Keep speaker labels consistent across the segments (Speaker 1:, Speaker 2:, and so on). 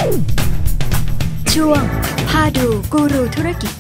Speaker 1: ช่วงพาดูกูรูธุรกิจ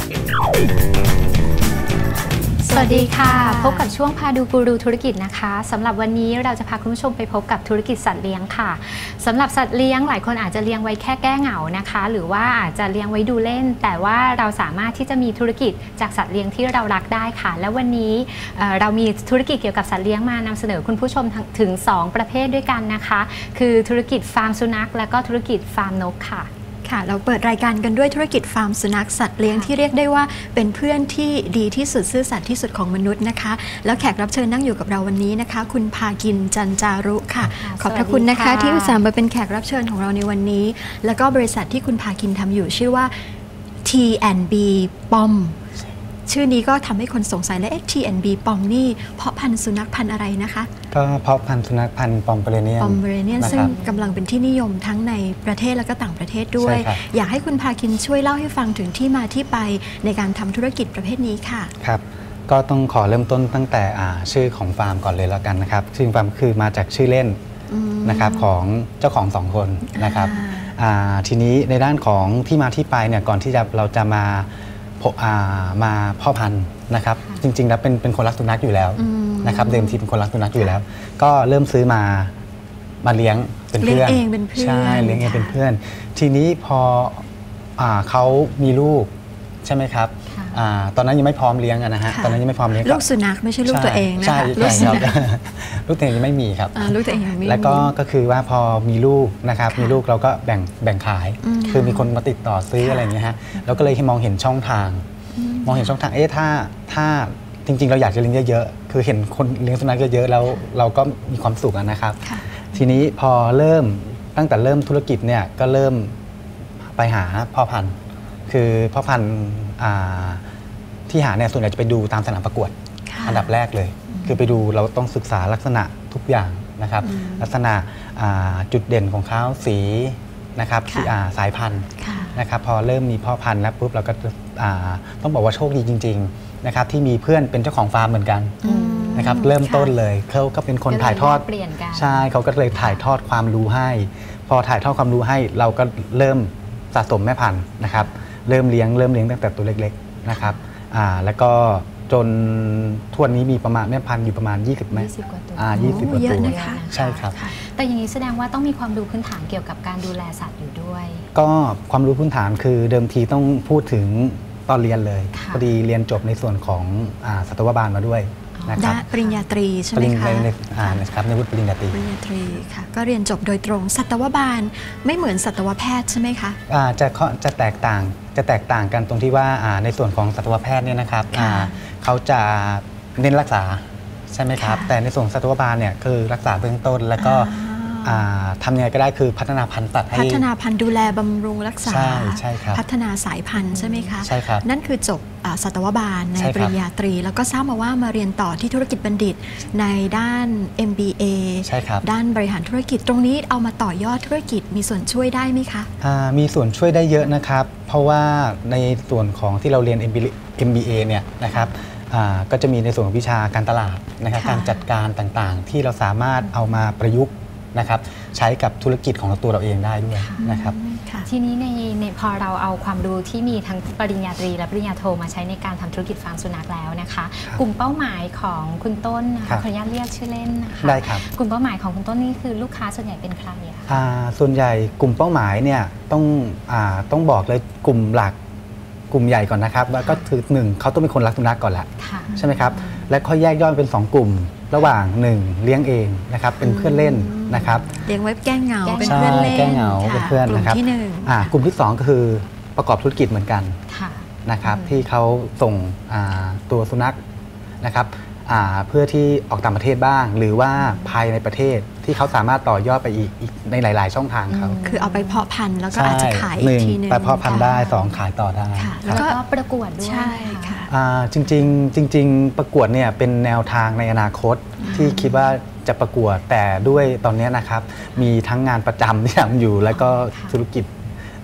Speaker 2: สวัสดีค่ะพบกับช่วงพาดูกูรูธุรกิจนะคะสำหรับวันนี้เราจะพาคุณผู้ชมไปพบกับธุรกิจสัตว์เลี้ยงค่ะสำหรับสัตว์เลี้ยงหลายคนอาจจะเลี้ยงไว้แค่แก้เหงานะคะหรือว่าอาจจะเลี้ยงไว้ดูเล่นแต่ว่าเราสามารถที่จะมีธุรกิจจากสัตว์เลี้ยงที่เรารักได้ค่ะและวันนี้เรามีธุรกิจเกี่ยวกับสัตว์เลี้ยงมานำเสนอคุณผู้ชมถึง2ประเภทด้วยกันนะคะคือธุรกิจฟาร์มสุนัขและก็ธุรกิจฟาร์มนกค่ะ
Speaker 1: เราเปิดรายการกันด้วยธุรกิจฟาร์มสุนัขสัตว์เลี้ยงที่เรียกได้ว่าเป็นเพื่อนที่ดีที่สุดซื่อสัตย์ที่สุดของมนุษย์นะคะแล้วแขกรับเชิญนั่งอยู่กับเราวันนี้นะคะคุณภากินจันจารุค่ะขอบพระคุณนะคะที่อุตส่าห์มาเป็นแขกรับเชิญของเราในวันนี้แล้วก็บริษัทที่คุณภากินทำอยู่ชื่อว่า T&B ปอมชื่อนี้ก็ทำให้คนสงสัยและ T&B ปอมนี่เพาะพันธุ์สุนัขพันธุ์อะไรนะคะ
Speaker 3: ก็เพาะพันธุ์สุนัขพันธุ์ปอมเปอเรเนียน
Speaker 1: ซึ่งกำลังเป็นที่นิยมทั้งในประเทศและก็ต่างประเทศด้วยอยากให้คุณภาคินช่วยเล่าให้ฟังถึงที่มาที่ไปในการทำธุรกิจประเภทนี้ค่ะ
Speaker 3: ครับก็ต้องขอเริ่มต้นตั้งแต่ชื่อของฟาร์มก่อนเลยแล้วกันนะครับชื่อฟาร์มคือมาจากชื่อเล่นนะครับของเจ้าของ2คนนะครับทีนี้ในด้านของที่มาที่ไปเนี่ยก่อนที่เราจะมาพ่อพันธุ์นะครับจริงๆแล้วเป็นคนรักสุนัขอยู่แล้วนะครับเดิมทีเป็นคนรักสุนัขอยู่แล้วก็เริ่มซื้อมาเลี้ยงเป็นเพื่อนใช่เลี้ยงเองเป็นเพื่อนทีนี้พอเขามีลูกใช่ไหมครับตอนนั้นยังไม่พร้อมเลี้ยงนะฮะตอนนั้นยังไม่พร้อมเลี้ยง
Speaker 1: ลูกสุนัขไม่ใช่ลูกตัวเองนะคะ
Speaker 3: ลูกตัวเองยังไม่มีครับ
Speaker 1: ลูกตัวเองยังไม่มี
Speaker 3: แล้วก็คือว่าพอมีลูกนะครับมีลูกเราก็แบ่งขายคือมีคนมาติดต่อซื้ออะไรอย่างเงี้ยฮะเราก็เลยมองเห็นช่องทางถ้าจริงๆเราอยากจะเลี้ยงเยอะๆคือเห็นคนเลี้ยงสุนัขเยอะๆแล้วเราก็มีความสุขนะครับทีนี้พอตั้งแต่เริ่มธุรกิจเนี่ยก็เริ่มไปหาพ่อพันธุ์คือพ่อพันธุ์ที่หาเนี่ยส่วนใหญ่จะไปดูตามสนามประกวดอันดับแรกเลยคือไปดูเราต้องศึกษาลักษณะทุกอย่างนะครับลักษณะจุดเด่นของเขาสีนะครับสายพันธุ์นะครับพอเริ่มมีพ่อพันธุ์แล้วปุ๊บเราก็ต้องบอกว่าโชคดีจริงๆนะครับที่มีเพื่อนเป็นเจ้าของฟาร์มเหมือนกันนะครับเริ่มต้นเลยเขาก็เป็นคนถ่ายทอดใช่เขาก็เลยถ่ายทอดความรู้ให้พอถ่ายทอดความรู้ให้เราก็เริ่มสะสมแม่พันธุ์นะครับเริ่มเลี้ยงตั้งแต่ตัวเล็กๆนะครับแล้วก็จนทั่วนี้มีประมาณแม่พันธุ์อยู่ประมาณ20แม่
Speaker 2: 20 กว่าตัว
Speaker 3: 20 กว่าตัวใช่ครับ
Speaker 2: แต่อย่างนี้แสดงว่าต้องมีความรู้พื้นฐานเกี่ยวกับการดูแลสัตว์อยู่ด้วย
Speaker 3: ก็ความรู้พื้นฐานคือเดิมทีต้องพูดถึงตอนเรียนเลยพอดีเรียนจบในส่วนของสัตวบาลมาด้วยนะครับ
Speaker 1: ปริญญาตรีใช่ไหมคะ
Speaker 3: นะครับในวุฒิปริญญาตรี
Speaker 1: ค่ะก็เรียนจบโดยตรงสัตวบาลไม่เหมือนสัตวแพทย์ใช่ไหมคะ
Speaker 3: จะแตกต่างกันตรงที่ว่าในส่วนของสัตวแพทย์เนี่ยนะครับเขาจะเน้นรักษาใช่ไหมครับแต่ในส่วนสัตวบาลเนี่ยคือรักษาเบื้องต้นแล้วก็ทำยังไงก็ได้คือพัฒนาพันธุ์สัตว์ให้
Speaker 1: พัฒนาพันธุ์ดูแลบำรุงรักษา
Speaker 3: ใช่ครับ
Speaker 1: พัฒนาสายพันธุ์ใช่ไหมคะ
Speaker 3: ใช่ครับ
Speaker 1: นั่นคือจบสัตวบาลในปริญญาตรีแล้วก็ทราบมาว่ามาเรียนต่อที่ธุรกิจบัณฑิตในด้าน MBA
Speaker 3: ใช่ครับ
Speaker 1: ด้านบริหารธุรกิจตรงนี้เอามาต่อยอดธุรกิจมีส่วนช่วยได้ไหมคะ
Speaker 3: มีส่วนช่วยได้เยอะนะครับเพราะว่าในส่วนของที่เราเรียน MBA เนี่ยนะครับก็จะมีในส่วนของวิชาการตลาดนะครับการจัดการต่างๆที่เราสามารถเอามาประยุกต์นะครับใช้กับธุรกิจของตัวเราเองได้ด้วยนะครับ
Speaker 2: ทีนี้ในพอเราเอาความรู้ที่มีทั้งปริญญาตรีและปริญญาโทมาใช้ในการทำธุรกิจฟาร์มสุนัขแล้วนะคะกลุ่มเป้าหมายของคุณต้นนะคะขออนุญาตเรียกชื่อเล่นนะคะ
Speaker 3: ได้ครับ
Speaker 2: กลุ่มเป้าหมายของคุณต้นนี่คือลูกค้าส่วนใหญ่เป็นใครอะคะ
Speaker 3: ส่วนใหญ่กลุ่มเป้าหมายเนี่ยต้องบอกเลยกลุ่มหลักกลุ่มใหญ่ก่อนนะครับแล้วก็คือ1เขาต้องเป็นคนรักสุนัขก่อนแหละใช่ไหมครับและค่อยแยกย่อยเป็น2กลุ่มระหว่าง1เลี้ยงเองนะครับเป็นเพื่อนเล่นนะครับ
Speaker 1: เลี้ยงไว้แก้เหงาเป็นเพื่อนเล่น
Speaker 3: แก้เหงาเป็นเพื่อนนะครับกลุ่มที่2ก็คือประกอบธุรกิจเหมือนกันนะครับที่เขาส่งตัวสุนัขนะครับเพื่อที่ออกต่างประเทศบ้างหรือว่าภายในประเทศที่เขาสามารถต่อยอดไปอีกในหลายๆช่องทางเขา
Speaker 1: คือเอาไปเพาะพันธุ์แล้วก็อาจจะขายอีกทีนึง
Speaker 3: ไปเพาะพันธุ์ได้2ขายต่อได้
Speaker 2: แล้วก็ประกวดด้วย
Speaker 1: ใช่ค่ะ
Speaker 3: จริงประกวดเนี่ยเป็นแนวทางในอนาคตที่คิดว่าจะประกวดแต่ด้วยตอนนี้นะครับมีทั้งงานประจำที่ทำอยู่แล้วก็ธุรกิจ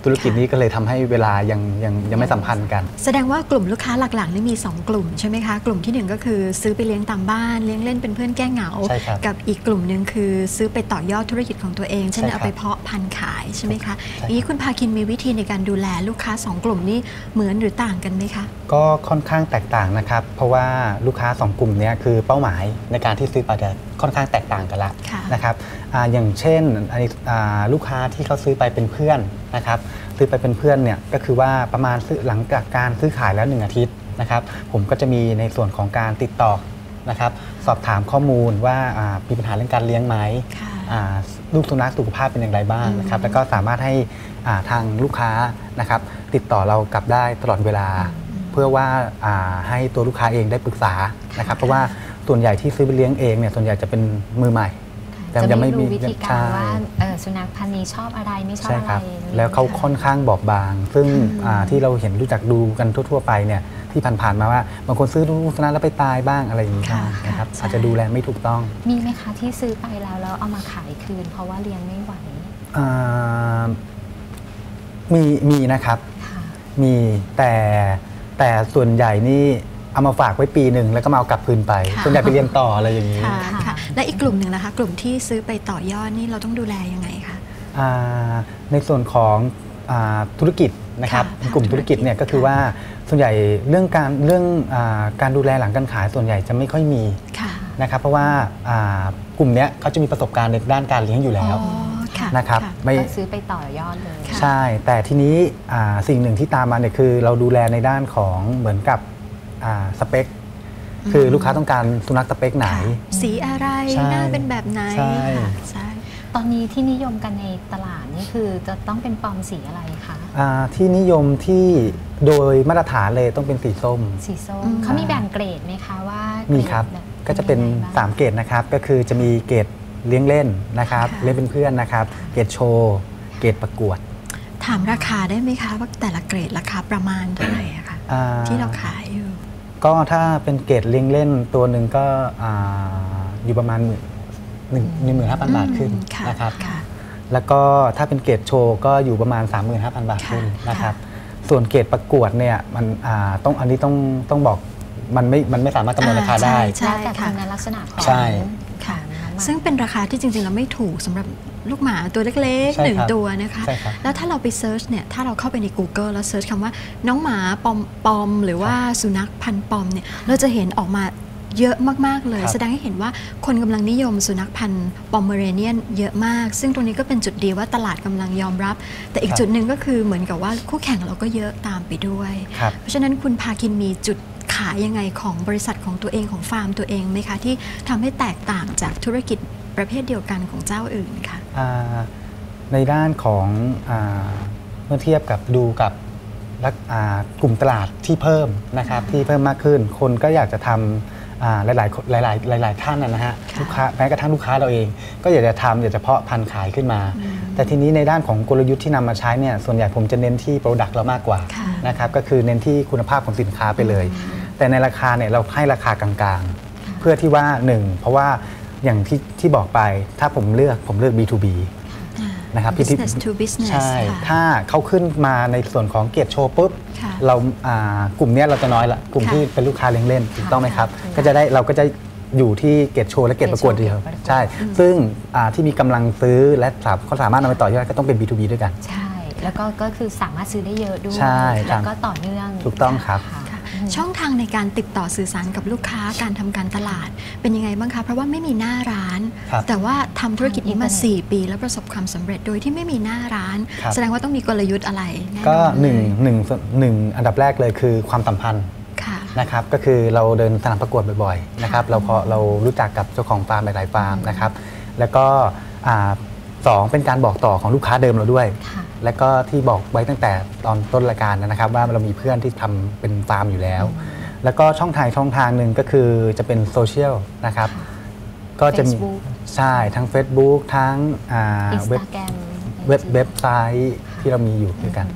Speaker 3: ธุรกิจนี้ก็เลยทำให้เวลายังไม่สัมพันธ์กัน
Speaker 1: แสดงว่ากลุ่มลูกค้าหลักๆนี่มี2กลุ่มใช่ไหมคะกลุ่มที่1ก็คือซื้อไปเลี้ยงตามบ้านเลี้ยงเล่นเป็นเพื่อนแก้เหงา
Speaker 3: ใช่ครับ
Speaker 1: กับอีกกลุ่มหนึ่งคือซื้อไปต่อยอดธุรกิจของตัวเองเช่น
Speaker 3: ใช่ครับ
Speaker 1: เอาไปเพาะพันธุ์ขายใช่ไหมคะ
Speaker 3: ใช่
Speaker 1: อย่างนี้คุณพาคินมีวิธีในการดูแลลูกค้า2กลุ่มนี้เหมือนหรือต่างกันไหมคะ
Speaker 3: ก็ค่อนข้างแตกต่างนะครับ เพราะว่าลูกค้า2กลุ่มนี้คือเป้าหมายในการที่ซื้อไปจะค่อนข้างแตกต่างกันละ
Speaker 1: ค่ะ
Speaker 3: นะครับอย่างเช่นลูกค้าที่เขาซื้อไปเป็นเพื่อนนะครับซื้อไปเป็นเพื่อนเนี่ยก็คือว่าประมาณหลังจากการซื้อขายแล้ว1 อาทิตย์นะครับผมก็จะมีในส่วนของการติดต่อนะครับสอบถามข้อมูลว่ามีปัญหาเรื่องการเลี้ยงไหม
Speaker 1: ค่ะ
Speaker 3: ลูกสุนัขสุขภาพเป็นอย่างไรบ้างนะครับแล้วก็สามารถให้ทางลูกค้านะครับติดต่อเรากลับได้ตลอดเวลา เพื่อว่าให้ตัวลูกค้าเองได้ปรึกษานะครับเพราะว่าส่วนใหญ่ที่ซื้อไปเลี้ยงเองเนี่ยส่วนใหญ่จะเป็นมือใหม่ แต่
Speaker 2: จะ
Speaker 3: ยัง
Speaker 2: ไม่
Speaker 3: ไม่มี
Speaker 2: รู้วิธีการ
Speaker 3: ใช่
Speaker 2: ว่าสุนัขพันธุ์นี้ชอบอะไรไม่ชอบ
Speaker 3: ใช่
Speaker 2: อะไร
Speaker 3: ครับ
Speaker 2: อย่างนี้
Speaker 3: แล้วเขา
Speaker 2: ค่ะ
Speaker 3: ค่อนข้างบอบบาง ซึ่งที่เราเห็นรู้จักดูกันทั่วๆไปเนี่ยที่ผ่านๆมาว่าบางคนซื้อลูกสุนัขแล้วไปตายบ้างอะไรอย่างนี้
Speaker 1: ค่ะ
Speaker 3: นะครับ
Speaker 1: ใช่
Speaker 3: อาจจะดูแลไม่ถูกต้อง
Speaker 2: มีไหมคะที่ซื้อไปแล้วเอามาขายคืน เพราะว่าเลี้ยงไม่ไหว
Speaker 3: อ่ามีนะครับ
Speaker 2: ค่ะ
Speaker 3: มีแต่ส่วนใหญ่นี่เอามาฝากไว้ปีหนึ่งแล้วก็มาเอากลับคืนไป
Speaker 1: ค่ะ
Speaker 3: ส่วนใหญ่ไปเรียนต่ออะไรอย่างนี้
Speaker 1: ค่ะค่ะและอีกกลุ่มหนึ่งนะคะกลุ่มที่ซื้อไปต่อยอดนี่เราต้องดูแลยังไงคะ
Speaker 3: ในส่วนของธุรกิจนะครับ
Speaker 1: ค่ะ
Speaker 3: กลุ่มธุรกิจเนี่ยก็คือว่าส่วนใหญ่เรื่องการดูแลหลังการขายส่วนใหญ่จะไม่ค่อยมี
Speaker 1: ค่ะ
Speaker 3: นะครับเพราะว่ากลุ่มเนี้ยเขาจะมีประสบการณ์ในด้านการเลี้ยงอยู่แล้ว
Speaker 1: อ๋อค่ะ
Speaker 3: นะครับ
Speaker 1: ค่ะ
Speaker 3: ไม่
Speaker 2: ก็ซื้อไปต่อยอดเลย
Speaker 1: ค่ะ
Speaker 3: ใช่แต่ทีนี้สิ่งหนึ่งที่ตามมาเนี่ยคือเราดูแลในด้านของเหมือนกับสเปคคือลูกค้าต้องการสุนัขสเปคไหน
Speaker 1: ค่ะสีอะไร
Speaker 3: ใช่
Speaker 1: หน้าเป็นแบบไหน
Speaker 3: ใช่
Speaker 1: ค่ะใช่
Speaker 2: ตอนนี้ที่นิยมกันในตลาดนี่คือจะต้องเป็นปอมสีอะไรคะ
Speaker 3: ที่นิยมที่โดยมาตรฐานเลยต้องเป็นสีส้ม
Speaker 2: สีส้ม
Speaker 1: อืม
Speaker 2: เขามีแบ่งเกรดไหมคะว่า
Speaker 3: มี
Speaker 2: มี
Speaker 3: ครับก็จะเป็น3 เกรดนะครับก็คือจะมีเกรดเลี้ยงเล่นนะครับ
Speaker 1: ค่ะ
Speaker 3: เลี้ยงเป็นเพื่อนนะครับเกรดโชว์เกรดประกวด
Speaker 1: ถามราคาได้ไหมคะว่าแต่ละเกรดราคาประมาณเท่าไหร่อะคะ
Speaker 3: อ่า
Speaker 1: ที่เราขายอยู่
Speaker 3: ก็ถ้าเป็นเกรดเลี้ยงเล่นตัวหนึ่งก็อยู่ประมาณ15,000 บาทขึ้น
Speaker 1: ค่ะ
Speaker 3: นะครับ
Speaker 1: ค่ะ
Speaker 3: แล้วก็ถ้าเป็นเกรดโชว์ก็อยู่ประมาณ 35,000 บาทขึ้น
Speaker 1: ค่ะ
Speaker 3: นะครับส่วนเกรดประกวดเนี่ยมันอันนี้ต้องบอกมันไม่สามารถกำหนดราคาได้
Speaker 1: ใช่
Speaker 2: แล้วแต่
Speaker 1: ค่ะ
Speaker 2: คุณลักษณะของ
Speaker 3: ใช่
Speaker 1: ค่ะ
Speaker 2: ของน้องหมา
Speaker 1: ซึ่งเป็นราคาที่จริงๆเราไม่ถูกสำหรับลูกหมาตัวเล็ก
Speaker 3: ใช่
Speaker 1: ๆหนึ่ง
Speaker 3: ครับ
Speaker 1: ตัวนะคะ
Speaker 3: ใช่ครับ
Speaker 1: แล้วถ้าเราไปเซิร์ชเนี่ยถ้าเราเข้าไปใน Google แล้วเซิร์ชคำว่าน้องหมาปอมหรือว่าสุนัขพันธุ์ปอมเนี่ยเราจะเห็นออกมาเยอะมากๆเลย
Speaker 3: ครับ
Speaker 1: แสดงให้เห็นว่าคนกำลังนิยมสุนัขพันธุ์ปอมเมอเรเนียนเยอะมาก ซึ่งตรงนี้ก็เป็นจุดดีว่าตลาดกำลังยอมรับ แต่อีกจุดหนึ่งก็คือเหมือนกับว่าคู่แข่งเราก็เยอะตามไปด้วย
Speaker 3: ครับ
Speaker 1: เพราะฉะนั้นคุณพาคินมีจุดขายยังไงของบริษัทของตัวเองของฟาร์มตัวเองไหมคะที่ทำให้แตกต่างจากธุรกิจประเภทเดียวกันของเจ้าอื่นค่ะ
Speaker 3: ในด้านของเมื่อเทียบกับดูกับกลุ่มตลาดที่เพิ่มนะครับที่เพิ่มมากขึ้น คนก็อยากจะทำหลายท่านนะฮะ
Speaker 1: ค่ะ
Speaker 3: ลูกค้าแม้กระทั่งลูกค้าเราเอง ก็อยากจะทำอยากจะเพาะพันธุ์ขายขึ้นมา แต่ทีนี้ในด้านของกลยุทธ์ที่นำมาใช้เนี่ยส่วนใหญ่ผมจะเน้นที่ Product เรามากกว่า
Speaker 1: ค่ะ
Speaker 3: นะครับก็คือเน้นที่คุณภาพของสินค้าไปเลย แต่ในราคาเนี่ยเราให้ราคากลางๆ เพื่อที่ว่าเพราะว่าอย่างที่บอกไปถ้าผมเลือก B2B นะครับ
Speaker 1: business to business
Speaker 3: ใช่
Speaker 1: ค่ะ
Speaker 3: ถ้าเขาขึ้นมาในส่วนของเกียรติโชว์ปุ๊บ
Speaker 1: ค่ะ
Speaker 3: เรากลุ่มเนี้ยเราจะน้อยละกลุ่ม
Speaker 1: ค่ะ
Speaker 3: ที่เป็นลูกค้าเลี้ยงเล่นถูกต้องไหมครับ
Speaker 2: ค่ะ
Speaker 3: ก็จะได้เราก็จะอยู่ที่เกียรติโชว์และเกียรติประกวดเดียว
Speaker 2: เกียรติโชว์
Speaker 3: ใช่ ซึ่งที่มีกำลังซื้อและเขาสามารถนำไปต่อยอดก็ต้องเป็น B2B ด้วยกัน
Speaker 2: ใช่ แล้วก็คือสามารถซื้อได้เยอะด้วย
Speaker 3: ใช่ครั
Speaker 2: แล้
Speaker 3: บ
Speaker 2: วก็ต่อเนื่อง
Speaker 3: ถูกต้องครับ
Speaker 2: ะ
Speaker 1: ค่ะช่องทางในการติดต่อสื่อสารกับลูกค้าการทำการตลาดเป็นยังไงบ้างคะเพราะว่าไม่มีหน้าร้าน
Speaker 3: ครับ
Speaker 1: แต่ว่าทำธุรกิจนี้มา
Speaker 2: ทางอินเทอร์เน็ต
Speaker 1: 4 ปีแล้วประสบความสำเร็จโดยที่ไม่มีหน้าร้าน
Speaker 3: ครับ
Speaker 1: แสดงว่าต้องมีกลยุทธ์อะไรแน่นอน
Speaker 3: ก็
Speaker 1: เลย
Speaker 3: หนึ่งอันดับแรกเลยคือความสัมพันธ์
Speaker 1: ค่ะ
Speaker 3: นะครับก็คือเราเดินสนามประกวดบ่อยๆนะครับเรารู้จักกับเจ้าของฟาร์มหลายๆฟาร์มนะครับแล้วก็สองเป็นการบอกต่อของลูกค้าเดิมเราด้วย
Speaker 2: ค่ะ
Speaker 3: และก็ที่บอกไว้ตั้งแต่ตอนต้นรายการนะครับว่าเรามีเพื่อนที่ทำเป็นฟาร์มอยู่แล้ว แล้วก็ช่องทางหนึ่งก็คือจะเป็นโซเชียลนะครับก็จะมี
Speaker 2: Facebook
Speaker 3: ใช่ทั้ง Facebook ทั้ง
Speaker 2: อินส
Speaker 3: เว็บ
Speaker 2: ตาแกรม
Speaker 3: เว็บไซต์ที่เรามีอยู่ด้วยกันครับ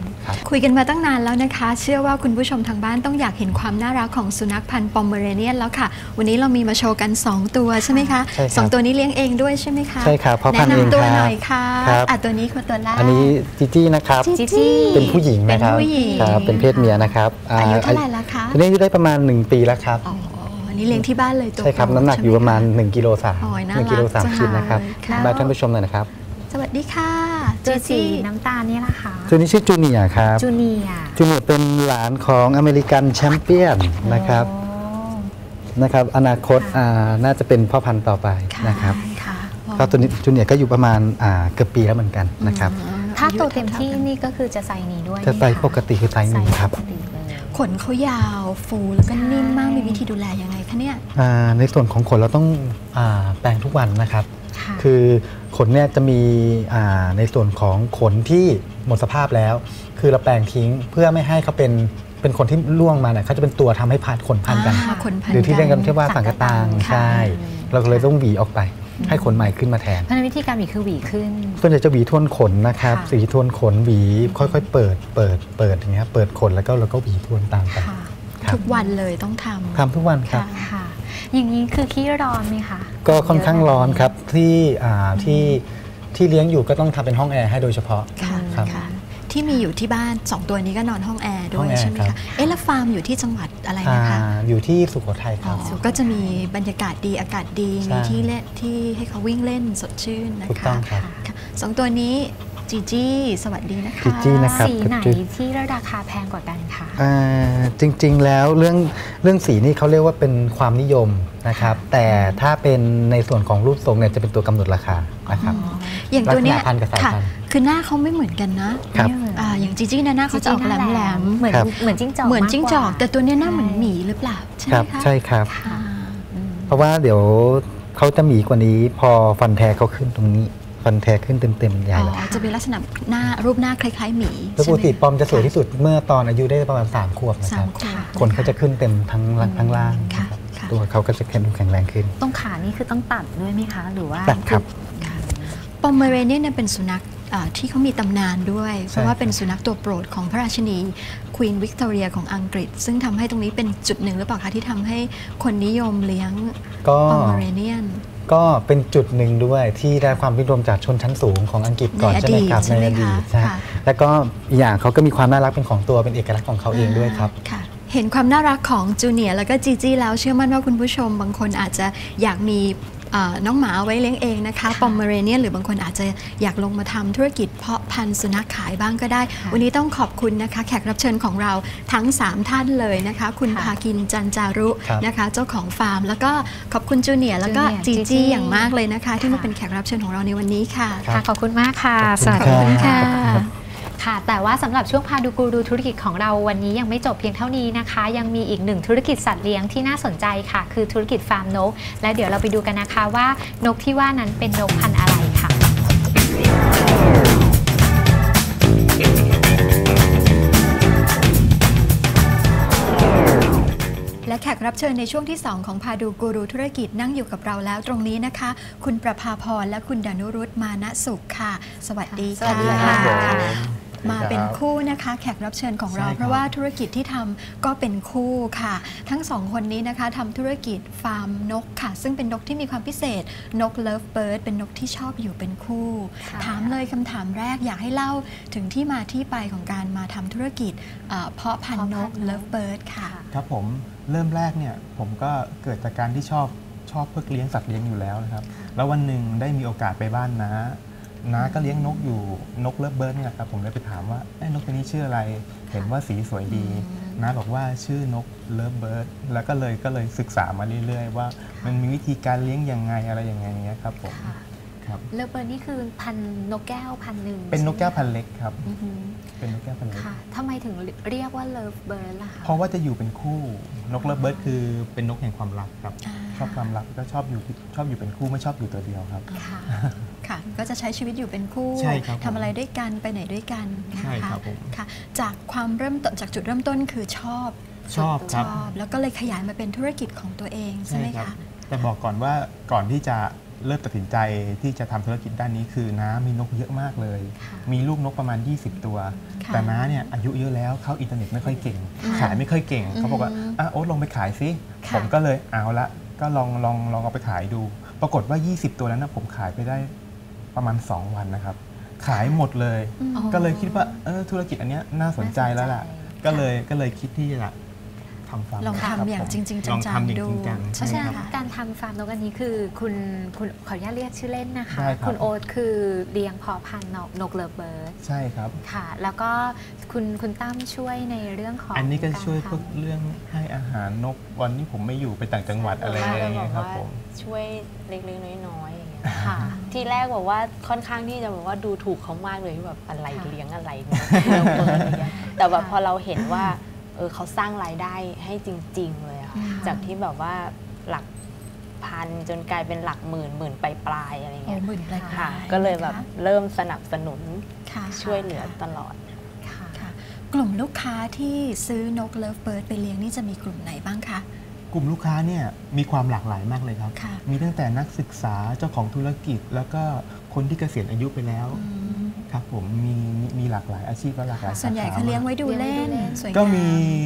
Speaker 1: คุยกันมาตั้งนานแล้วนะคะ เชื่อว่าคุณผู้ชมทางบ้านต้องอยากเห็นความน่ารักของสุนัขพันธุ์ปอมเมอเรเนียนแล้วค่ะ วันนี้เรามีมาโชว์กัน2ตัวใช่ไหมคะ
Speaker 3: ใช่ครับ
Speaker 1: สองตัวนี้เลี้ยงเองด้วยใช่ไหมคะ
Speaker 3: ใช่ครับพ่อพันธุ์เอง
Speaker 1: แนะนำตัว
Speaker 3: ครับ
Speaker 1: หน่อยค่ะ
Speaker 3: ครับ
Speaker 1: ตัวนี้คือตัวแรก
Speaker 3: อันนี้จีจี้นะครับ
Speaker 1: จีจี้
Speaker 3: เป็นผู้หญิงนะครับ
Speaker 1: เป็นผู้หญิง
Speaker 3: ครับเป็นเพศเมียนะครับ
Speaker 1: อายุเท่าไหร่ละคะ
Speaker 3: ตัวนี้อายุได้ประมาณ1 ปีแล้วครับ
Speaker 1: อ๋ออันนี้เลี้ยงที่บ้านเลยตัว
Speaker 3: ใช่ครับ
Speaker 1: โปด
Speaker 3: น้ำหนักอยู่ประมาณ
Speaker 1: ใช่ไหค
Speaker 3: 1กิโล3
Speaker 1: โอ้ยน่ารัก
Speaker 3: 1กิโล
Speaker 1: จัง
Speaker 3: 3 ขีดนะครับ
Speaker 1: เลยค่ะ
Speaker 3: บายท่านผู้ชมหน่อยนะครับ
Speaker 1: สวัสดีค่ะ
Speaker 2: ตัวสี
Speaker 1: จีจี้
Speaker 2: น้ำตาลนี่แหละค่ะ
Speaker 3: ตัวนี้ชื่อจูเนียร์ครับ
Speaker 2: จูเนียร์
Speaker 3: จูเนียร์เป็นหลานของอเมริกันแชมเปี้ยนนะครับ
Speaker 2: โอ้
Speaker 3: นะครับอนาคตน่าจะเป็นพ่อพันธุ์ต่อไปนะครับ
Speaker 1: ค่ะ
Speaker 3: ก็ตัวนี้จูเนียร์ก็อยู่ประมาณเกือบปีแล้วเหมือนกันนะครับ
Speaker 2: ถ้าโตเต็มที่นี่ก็คือจะไซส์นี้ด้วย
Speaker 3: จะไซส์
Speaker 2: หมคะ
Speaker 3: ปกติคือไซส์นี้ครับ
Speaker 2: ไซส์ปกติเลย
Speaker 1: ขนเขายาวฟูแล้วก็นิ่มมากมีวิธีดูแลยังไงคะเนี่ย
Speaker 3: ในส่วนของขนเราต้องแปรงทุกวันนะครับ
Speaker 2: ค่ะ
Speaker 3: คือขนเนี่ยจะมีในส่วนของขนที่หมดสภาพแล้ว คือเราแปรงทิ้งเพื่อไม่ให้เขาเป็นขนที่ร่วงมาเนี่ยเขาจะเป็นตัวทำให้ขนพันกัน
Speaker 1: ขนพัน
Speaker 3: หรือที่เรียกกันที่ว่า
Speaker 1: สั
Speaker 3: สั
Speaker 1: ง
Speaker 3: ง
Speaker 1: ก
Speaker 3: ก
Speaker 1: ตา
Speaker 3: ตาง ง
Speaker 1: ค่ะ
Speaker 3: ใช่ เราก็เลยต้องหวีออกไป ให้ขนใหม่ขึ้นมาแทน
Speaker 2: เพราะฉะนั้นวิธีการหวีคือหวีขึ้น
Speaker 3: ส่วนใหญ่จะหวีทวนขนนะครับ
Speaker 2: ค่ะ
Speaker 3: สีทวนขนหวีค่อยๆเปิดอย่างเงี้ยเปิดขนแล้วก็หวีทวนตามไป
Speaker 2: ค่ะ
Speaker 3: ครับ
Speaker 1: ทุกวันเลยต้องทำ
Speaker 3: ทำทุกวันครับ
Speaker 1: ค่ะ
Speaker 2: ค่ะ อย่างนี้คือขี้ร้อนไหมคะ
Speaker 3: ก็ค่อนข้างร้อนครับที่เลี้ยงอยู่ก็ต้องทำเป็นห้องแอร์ให้โดยเฉพาะ
Speaker 1: ค่ะ
Speaker 3: ครับ
Speaker 1: ค่ะ ที่มีอยู่ที่บ้าน2ตัวนี้ก็นอนห้องแอร์ด้
Speaker 3: ห้
Speaker 1: ว
Speaker 3: อย งแอร์
Speaker 1: ใช่ไหม
Speaker 3: ครั
Speaker 1: คะ
Speaker 3: บ
Speaker 1: เอ๊ะแล้วฟาร์มอยู่ที่จังหวัดอะไรนะคะ
Speaker 3: อยู่ที่สุโขทัยค
Speaker 1: อ๋
Speaker 3: รั
Speaker 1: อบ ก็จะมีบรรยากาศดีอากาศดี
Speaker 3: ใช่
Speaker 1: มีที่เล่นที่ให้เขาวิ่งเล่นสดชื่นนะ
Speaker 3: ถูก
Speaker 1: คะ
Speaker 3: ต้องครับ
Speaker 1: ค่ะสองตัวนี้จีจี้สวัสดีนะคะ
Speaker 3: จีจี้นะครับ
Speaker 2: สีไหนที่ราคาแพงกว่ากันคะ
Speaker 3: จริงๆแล้วเรื่องสีนี่เขาเรียกว่าเป็นความนิยมนะครับ แต่ถ้าเป็นในส่วนของรูปทรงเนี่ยจะเป็นตัวกำหนดราคานะครับ
Speaker 1: อย่างตัวเนี้ย
Speaker 3: ลักษณะพันธุ์กับสาย
Speaker 1: ค่ะ
Speaker 3: พันธุ์
Speaker 1: คือหน้าเขาไม่เหมือนกันนะครับ อย่างจีจี้เนี่ยหน้าเขาจะออกแหลมๆ
Speaker 2: เหมือน
Speaker 3: ครับ
Speaker 2: เหมือนจิ้งจอก
Speaker 1: เหมือนจิ้งจอก
Speaker 2: มากว่า
Speaker 1: แต่ตัวเนี้ยหน้าเหมือนหมีหรือเปล่าใช่ไห
Speaker 3: ค
Speaker 1: ม
Speaker 3: รับ
Speaker 1: คะ
Speaker 3: ใช่ครับ
Speaker 1: อ่า
Speaker 3: เพราะว่าเดี๋ยวเขาจะหมีกว่านี้พอฟันแท้เขาขึ้นตรงนี้ ฟันแท้ขึ้นเต็มๆใหญ่
Speaker 1: อ๋
Speaker 3: เลย
Speaker 1: อจะเป็นลักษณะหน้ารูปหน้าคล้ายๆหมี
Speaker 3: แล้วปกติปอมจะสวยที่สุดเมื่อตอนอายุได้ประมาณ3 ขวบนะค
Speaker 1: สา
Speaker 3: รั
Speaker 1: ม
Speaker 3: บ
Speaker 1: ขวบ
Speaker 3: ขนเขาจะขึ้นเต็มทั้งล่าง
Speaker 1: ค่ะ
Speaker 3: นะครับ
Speaker 1: ค่ะ
Speaker 3: ตัวเขาก็จะแข็งแรงขึ้น
Speaker 2: ตรงขานี่คือต้องตัดด้วยไหมคะ หรือว่า
Speaker 3: ตัดครับ
Speaker 1: ปอมเมอเรเนียนเนี่ยเป็นสุนัขที่เขามีตำนานด้วย เพราะว่า
Speaker 3: ใช่ครับ
Speaker 1: เป็นสุนัขตัวโปรดของพระราชินีควีนวิกตอเรียของอังกฤษ ซึ่งทำให้ตรงนี้เป็นจุดหนึ่งหรือเปล่าคะที่ทำให้คนนิยมเลี้ยง
Speaker 3: ก็
Speaker 1: ปอมเมอเรเนียน
Speaker 3: ก็เป็นจุดหนึ่งด้วยที่ได้ความนิยมจากชนชั้นสูงของอังกฤษก่อน
Speaker 1: ใน
Speaker 3: ใช่ไหมครับ
Speaker 1: อดีตใช่ไหม
Speaker 3: อดีต
Speaker 1: คะ
Speaker 3: ใช่
Speaker 1: ค่ะ
Speaker 3: แล้วก็อีกอย่างเขาก็มีความน่ารักเป็นของตัวเป็นเอกลักษณ์ของเขาเองด้วยครับ
Speaker 1: ค่ะ เห็นความน่ารักของจูเนียร์แล้วก็จีจี้แล้วเชื่อมั่นว่าคุณผู้ชมบางคนอาจจะอยากมีน้องหมาเอาไว้เลี้ยงเองนะคะปอมเมอเรเนียนหรือบางคนอาจจะอยากลงมาทำธุรกิจเพาะพันธุ์สุนัขขายบ้างก็ได้ วันนี้ต้องขอบคุณนะคะแขกรับเชิญของเราทั้ง 3 ท่านเลยนะคะ คุณ
Speaker 2: ค่ะ
Speaker 1: ภากินจันจารุ
Speaker 3: ครับ
Speaker 1: นะคะเจ้าของฟาร์ม แล้วก็ขอบคุณจูเนียร์แล้วก็
Speaker 2: จู
Speaker 1: จี
Speaker 2: เนียร์
Speaker 1: จี้อย่างมากเลยนะคะ ที่มา
Speaker 2: ค่ะ
Speaker 1: เป็นแขกรับเชิญของเราในวันนี้ค่ะ
Speaker 2: ค่ะขอบคุณมากค่ะ
Speaker 3: ขอบคุณ
Speaker 2: สวัสดี
Speaker 3: ครับ
Speaker 2: ค่ะ ค่ะ แต่ว่าสำหรับช่วงพาดูกูรูธุรกิจของเราวันนี้ยังไม่จบเพียงเท่านี้นะคะ ยังมีอีกหนึ่งธุรกิจสัตว์เลี้ยงที่น่าสนใจค่ะ คือธุรกิจฟาร์มนก และเดี๋ยวเราไปดูกันนะคะว่านกที่ว่านั้นเป็นนกพันธุ์อะไรค่ะ
Speaker 1: และแขกรับเชิญในช่วงที่ 2 ของพาดูกูรูธุรกิจนั่งอยู่กับเราแล้วตรงนี้นะคะ คุณประภาพรและคุณดานุรุตมานะสุขค่ะ สวัสดี
Speaker 2: สวั
Speaker 1: ค่ะ
Speaker 2: สดีค่ะ
Speaker 1: มาเป็นคู่นะคะ แขกรับเชิญของเรา
Speaker 3: ใช่ครับ
Speaker 1: เพราะว่าธุรกิจที่ทำก็เป็นคู่ค่ะ ทั้งสองคนนี้นะคะทำธุรกิจฟาร์มนกค่ะ ซึ่งเป็นนกที่มีความพิเศษนกเลิฟเบิร์ดเป็นนกที่ชอบอยู่เป็นคู่
Speaker 2: ค่ะ
Speaker 1: ถามเลยคำถามแรกอยากให้เล่าถึงที่มาที่ไปของการมาทำธุรกิจเพาะพันธุ์นกเลิฟเบิร์ดค่ะ
Speaker 4: ครับผมเริ่มแรกเนี่ยผมก็เกิดจากการที่ชอบเพื่อเลี้ยงสัตว์เลี้ยงอยู่แล้วนะครับ แล้ววันหนึ่งได้มีโอกาสไปบ้านน้าก็เลี้ยงนกอยู่นกเลิฟเบิร์ดเนี่ยครับผมเลยไปถามว่านกตัวนี้ชื่ออะไรเห็นว่าสีสวยดีน้าบอกว่าชื่อนกเลิฟเบิร์ดแล้วก็เลยศึกษามาเรื่อยๆว่ามันมีวิธีการเลี้ยงยังไงอะไรยังไงเนี้ยครับผม
Speaker 2: ค่ะ
Speaker 4: ครับ
Speaker 2: เลิฟเบิร์ดนี่คือพันธุ์นกแก้วพันธุ์หนึ่ง
Speaker 4: เป็นนกแก้วพัน
Speaker 2: ใช่ไหม
Speaker 4: เล็กครับ
Speaker 2: อือหือ
Speaker 4: เป็นนกแก้วพันเล็ก
Speaker 2: ค่ะทำไมถึงเรียกว่าเลิฟเบิร์ดล่ะคะ
Speaker 4: เพราะว่าจะอยู่เป็นคู่นกเลิฟเบิร์ดคือเป็นนกแห่งความรักครับ
Speaker 1: อ่า
Speaker 4: ชอบความรักก็ชอบอยู่เป็นคู่ไม่ชอบอยู่ตัวเดียวครับ
Speaker 2: ค่ะ
Speaker 1: ค่ะก็จะใช้ชีวิตอยู่เป็นคู่
Speaker 4: ใช่ครับผม
Speaker 1: ทำอะไรด้วยกันไปไหนด้วยกันนะ
Speaker 4: ใช่
Speaker 1: คะ
Speaker 4: ครับผม
Speaker 1: ค่ะจากความเริ่มต้นจากจุดเริ่มต้นคือชอบ
Speaker 4: ชอบครับ
Speaker 1: แล้วก็เลยขยายมาเป็นธุรกิจของตัวเองใช่ไหมคะ
Speaker 4: แต่บอกก่อนว่าก่อนที่จะเริ่มตัดสินใจที่จะทำธุรกิจด้านนี้คือน้ามีนกเยอะมากเลย
Speaker 2: ค่ะ
Speaker 4: มีลูกนกประมาณ 20 ตัว
Speaker 1: ค่ะ
Speaker 4: แต่น้าเนี่ยอายุเยอะแล้วเข้าอินเทอร์เน็ตไม่ค่อยเก่ง
Speaker 1: ค่ะ
Speaker 4: ขายไม่ค่อยเก่งเขาบอกว่าโอ๊ตลองไปขายซิ
Speaker 1: ค่ะ
Speaker 4: ผมก็เลยเอาละก็ลองเอาไปขายดู ปรากฏว่า 20 ตัวนั้นนะผมขายไปได้ประมาณ 2 วันนะครับขายหมดเลย
Speaker 2: อ๋อ
Speaker 4: ก็เลยคิดว่าธุรกิจอันเนี้ยน่าสนใจแล้วล่ะ ก็เลยคิดที่จะทำฟาร์ม
Speaker 1: ลอง
Speaker 4: ครับ
Speaker 1: ทำอย่าง
Speaker 4: ผม
Speaker 1: จริงๆจั
Speaker 4: ลอง
Speaker 1: ง
Speaker 4: ทำอย่าง
Speaker 1: ๆดู
Speaker 4: จริงจัง
Speaker 2: เพราะฉะนั้น
Speaker 1: ค่ะ
Speaker 2: การทำฟาร์มนกอันนี้คือคุณขออนุญาตเรียกชื่อเล่นนะคะ
Speaker 4: ได้ครับ
Speaker 2: คุณโอ๊ตคือเลี้ยงเพาะพันธุ์นกเลิฟเบิร์ด
Speaker 4: ใช่ครับ
Speaker 2: ค่ะ แล้วก็คุณตั้มช่วยในเรื่องของ
Speaker 4: อันนี้ก็ช่วย
Speaker 2: าร
Speaker 4: พวก
Speaker 2: ทำ
Speaker 4: เรื่องให้อาหารนกวันนี้ผมไม่อยู่ไปต่างจังหวัดอะไรอย่างเงี้ยครับผม
Speaker 5: ช่วยเล็กๆน้อยๆอย่างเงี้ย
Speaker 2: ค่ะ
Speaker 5: ที่แรกบอกว่าค่อนข้างที่จะแบบว่าดูถูกเขามากเลยที่แบบอะไร
Speaker 2: ค่ะ
Speaker 5: เลี้ยงอะไรเนี่ยเลี้ยงเปิดอะไรเงี้ยแต่แบบ
Speaker 2: ค่ะ
Speaker 5: พอเราเห็นว่าเขาสร้างรายได้ให้จริง ๆ เลยอะ
Speaker 2: ค่ะ
Speaker 5: จากที่แบบว่าหลักพันจนกลายเป็นหลักหมื่นปลายๆอะไร
Speaker 1: โอ้
Speaker 5: เงี้ย
Speaker 1: หมื่นปลายๆ
Speaker 5: ค่ะ ก็เลยแบบ
Speaker 1: นะคะ
Speaker 5: เริ่มสนับสนุน
Speaker 1: ค่ะ
Speaker 5: ช่วยเหลือตลอด
Speaker 2: ค่ะ
Speaker 1: ค่ะกลุ่มลูกค้าที่ซื้อนกเลิฟเบิร์ดไปเลี้ยงนี่จะมีกลุ่มไหนบ้างคะ
Speaker 4: กลุ่มลูกค้าเนี่ยมีความหลากหลายมากเลยครับ
Speaker 1: ค่ะ
Speaker 4: มีตั้งแต่นักศึกษาเจ้าของธุรกิจ แล้วก็คนที่เกษียณอายุไปแล้วครับผมมีหลากหลายอาชีพและหลากหลาย
Speaker 1: ส่วนใหญ่
Speaker 4: สข
Speaker 1: เขาเลี้ยงไว้ดูเล่น
Speaker 2: เลี้ยงไว้ดูเล่น
Speaker 1: สวยงาม
Speaker 4: ก็มี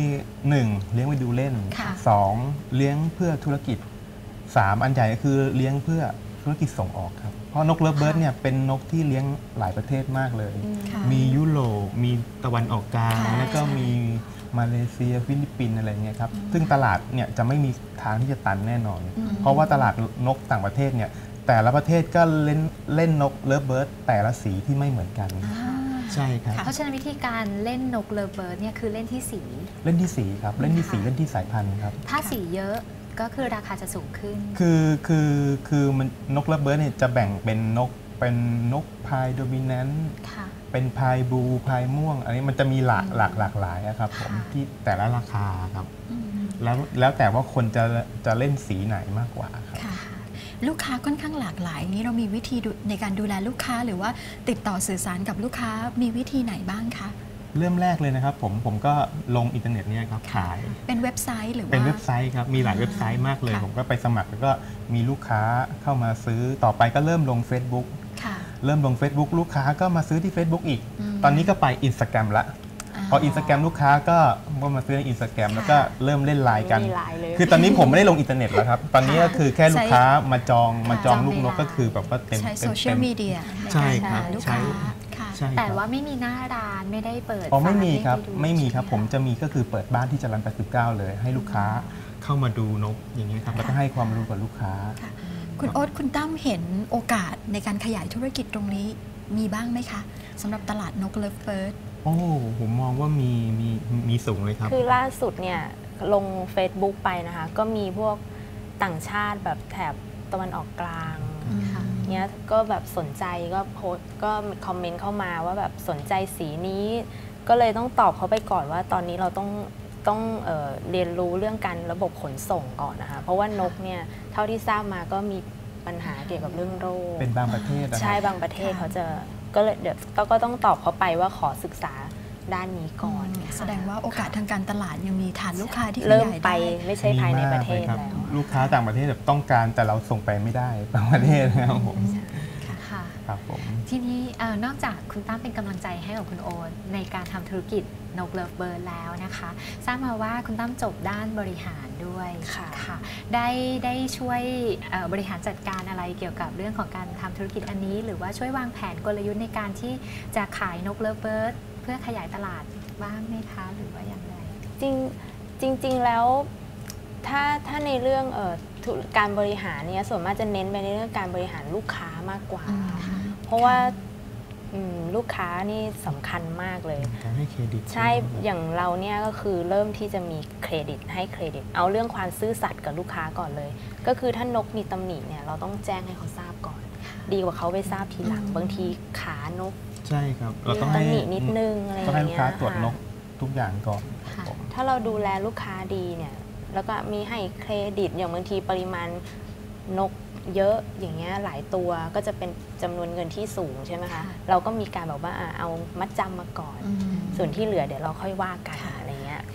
Speaker 4: 1. เลี้ยงไว้ดูเล่น
Speaker 1: ค่ะ
Speaker 4: 2. เลี้ยงเพื่อธุรกิจ 3. อันใหญ่ก็คือเลี้ยงเพื่อธุรกิจส่งออกครับเพราะนกเลิฟเบิร์ดเนี่ยเป็นนกที่เลี้ยงหลายประเทศมากเลย
Speaker 1: ค่ะ
Speaker 4: มียุโรปมีตะวันออกกลาง
Speaker 1: ค่ะ
Speaker 4: แล้วก็
Speaker 1: ใช่
Speaker 4: มีมาเลเซียฟิลิปปินส์อะไรเงี้ยครับซึ่งตลาดเนี่ยจะไม่มีทางที่จะตันแน่นอน เพราะว่าตลาดนกต่างประเทศเนี่ยแต่ละประเทศก็เล่นนกเลิฟเบิร์ดแต่ละสีที่ไม่เหมือนกัน ใช่ครับ
Speaker 2: เพราะฉะนั้นวิธีการเล่นนกเลิฟเบิร์ดเนี่ยคือเล่นที่สี
Speaker 4: เล่นที่สีครับเล่นที่สี
Speaker 2: ค่ะ
Speaker 4: เล่นที่สายพันธุ์ครับ
Speaker 2: ถ้าสีเยอะก็คือราคาจะสูงขึ้น
Speaker 4: คือมันนกเลิฟเบิร์ดเนี่ยจะแบ่งเป็นนกพายโดมิแนนต์
Speaker 2: ค่ะ
Speaker 4: เป็นพายบลูพายม่วง อันนี้มันจะมีหลากหลายอะครับผม
Speaker 2: ค่ะ
Speaker 4: ที่แต่ละราคาครับแล้วแต่ว่าคนจะเล่นสีไหนมากกว่าครับ
Speaker 1: ค่ะ ลูกค้าค่อนข้างหลากหลายนี้เรามีวิธีในการดูแลลูกค้าหรือว่าติดต่อสื่อสารกับลูกค้ามีวิธีไหนบ้างคะ
Speaker 4: เริ่มแรกเลยนะครับผมก็ลงอินเทอร์เน็ตเนี่ยครับขาย
Speaker 1: เป็นเว็บไซต์หรือว่า
Speaker 4: เป็นเว็บไซต์ครับมีหลายเว็บไซต์มากเลย
Speaker 1: ค่ะ
Speaker 4: ผมก็ไปสมัครแล้วก็มีลูกค้าเข้ามาซื้อต่อไปก็เริ่มลง Facebook
Speaker 1: ค่ะ
Speaker 4: เริ่มลง Facebook ลูกค้าก็มาซื้อที่ Facebook อีก
Speaker 1: อืม
Speaker 4: ตอนนี้ก็ไป Instagram ละพอ Instagram ลูกค้าก็มาซื้อใน Instagram แล้วก็เริ่มเล่นไลน์กัน
Speaker 5: มีไลน์เลย
Speaker 4: คือตอนนี้ผมไม่ได้ลงอินเทอร์เน็ตแล้วครับ ตอนนี้ก็คือแค่ลูกค้ามาจอง
Speaker 1: ค่ะ
Speaker 2: จอง
Speaker 4: ลูกนก
Speaker 2: ในไลน์
Speaker 4: ก็คือแบบว่าเต็ม
Speaker 1: ใช้
Speaker 4: เต็
Speaker 1: โซ
Speaker 4: ม
Speaker 1: เชียลมีเดียใน
Speaker 4: ใช่
Speaker 1: การ
Speaker 4: ครับ
Speaker 1: หาลูก
Speaker 4: ใช่
Speaker 1: ค้าค่ะ
Speaker 4: ใช่
Speaker 2: แต่
Speaker 4: ครับ
Speaker 2: ว่าไม่มีหน้าร้านไม่ได้เปิด
Speaker 4: อ๋อไม่
Speaker 2: ฟา
Speaker 4: มีครับ
Speaker 2: ให้ดู
Speaker 4: ไม่มีครับ
Speaker 2: ใช่
Speaker 4: ผม
Speaker 2: ไห
Speaker 4: จะมีก็คือเปิดบ้านที่จรัญ89เลย ให้ลูกค้าเข้ามาดูนกอย่างนี้ยครับแล้วก็ให้ความรู้กับลูกค้า
Speaker 1: ค่ะคุณโอ๊ตคุณตั้มเห็นโอกาสในการขยายธุรกิจตรงนี้มีบ้างไหมคะสำหรับตลาดนกเลิฟเบิร์ด
Speaker 4: โอ้ผมมองว่ามีสูงเลยครับ
Speaker 5: คือล่าสุดเนี่ยลง Facebook ไปนะคะ ก็มีพวกต่างชาติแบบแถบตะวันออกกลาง
Speaker 2: ค่ะ
Speaker 5: เนี้ยก็แบบสนใจก็โพสต์ก็คอมเมนต์เข้ามาว่าแบบสนใจสีนี้ ก็เลยต้องตอบเขาไปก่อนว่าตอนนี้เราต้องเรียนรู้เรื่องการระบบขนส่งก่อนนะคะเพราะว่านกเนี่ยเท่าที่ทราบมาก็มีปัญหาเกี่ยวกับเรื่องโรค
Speaker 4: เป็นบางประเทศนะค
Speaker 5: ใช่
Speaker 4: รับ
Speaker 5: บางประเทศ
Speaker 1: ค่ะ
Speaker 5: เขาจะก็เลยเดี๋ยวก็ต้องตอบเขาไปว่าขอศึกษาด้านนี้ก่อน
Speaker 1: แสดงว่าโอกาสทางการตลาดยังมีฐานลูกค้าที่ข
Speaker 5: เริ่ม
Speaker 1: ยาย
Speaker 5: ไป
Speaker 1: ได้
Speaker 5: ไม่ใช่ภายในประเทศ
Speaker 4: มีมากลยคบ
Speaker 5: แล้ว
Speaker 4: ลูกค้าต่างประเทศแบบต้องการแต่เราส่งไปไม่ได้บางประเทศนะครับผม
Speaker 2: ค่ะ
Speaker 4: ครับผม
Speaker 2: ทีนี้นอกจากคุณตั้มเป็นกำลังใจให้กับคุณโอ๊ตในการทำธุรกิจนกเลิฟเบิร์ดแล้วนะคะทราบมาว่าคุณตั้มจบด้านบริหารด้วย
Speaker 5: ค่ะ
Speaker 2: ได้ช่วยบริหารจัดการอะไรเกี่ยวกับเรื่องของการทำธุรกิจอันนี้ หรือว่าช่วยวางแผนกลยุทธ์ในการที่จะขายนกเลิฟเบิร์ดเพื่อขยายตลาดบ้างไหมคะหรือว่าอย่างไร
Speaker 5: จริงแล้วถ้าในเรื่องการบริหารเนี่ยส่วนมากจะเน้นไปในเรื่องการบริหารลูกค้ามากกว่า เพราะว่าลูกค้านี่สำคัญมากเลย
Speaker 4: การให้เครดิต
Speaker 5: ใช่อย่างเราเนี่ยก็คือเริ่มที่จะมีเครดิตให้เครดิต เอาเรื่องความซื่อสัตย์กับลูกค้าก่อนเลย ก็คือถ้านกมีตำหนิเนี่ยเราต้องแจ้งให้เขาทราบก่อน ดีกว่าเขาไปทราบทีหลังบางทีขานก
Speaker 4: ใช่ครับ เรา
Speaker 5: มี
Speaker 4: ต้องให้
Speaker 5: ตำหนินิดนึงอะไรอ
Speaker 4: ต้อง
Speaker 5: ย่าง
Speaker 4: ให้ลูก
Speaker 5: เงี้ย
Speaker 4: ค้าตรวจนก
Speaker 5: ค่ะ
Speaker 4: ทุกอย่างก่อนครับ
Speaker 2: ค่ะ
Speaker 4: ผม
Speaker 5: ถ้าเราดูแลลูกค้าดีเนี่ยแล้วก็มีให้เครดิตอย่างบางทีปริมาณนกเยอะอย่างเงี้ยหลายตัวก็จะเป็นจำนวนเงินที่สูงใช่ไหมคะ
Speaker 2: ค่ะ
Speaker 5: เราก็มีการแบบว่าเอามัดจำมาก่อน ส่วนที่เหลือเดี๋ยวเราค่อยว่ากัน
Speaker 1: ค่ะ
Speaker 5: อะไรเงี้ย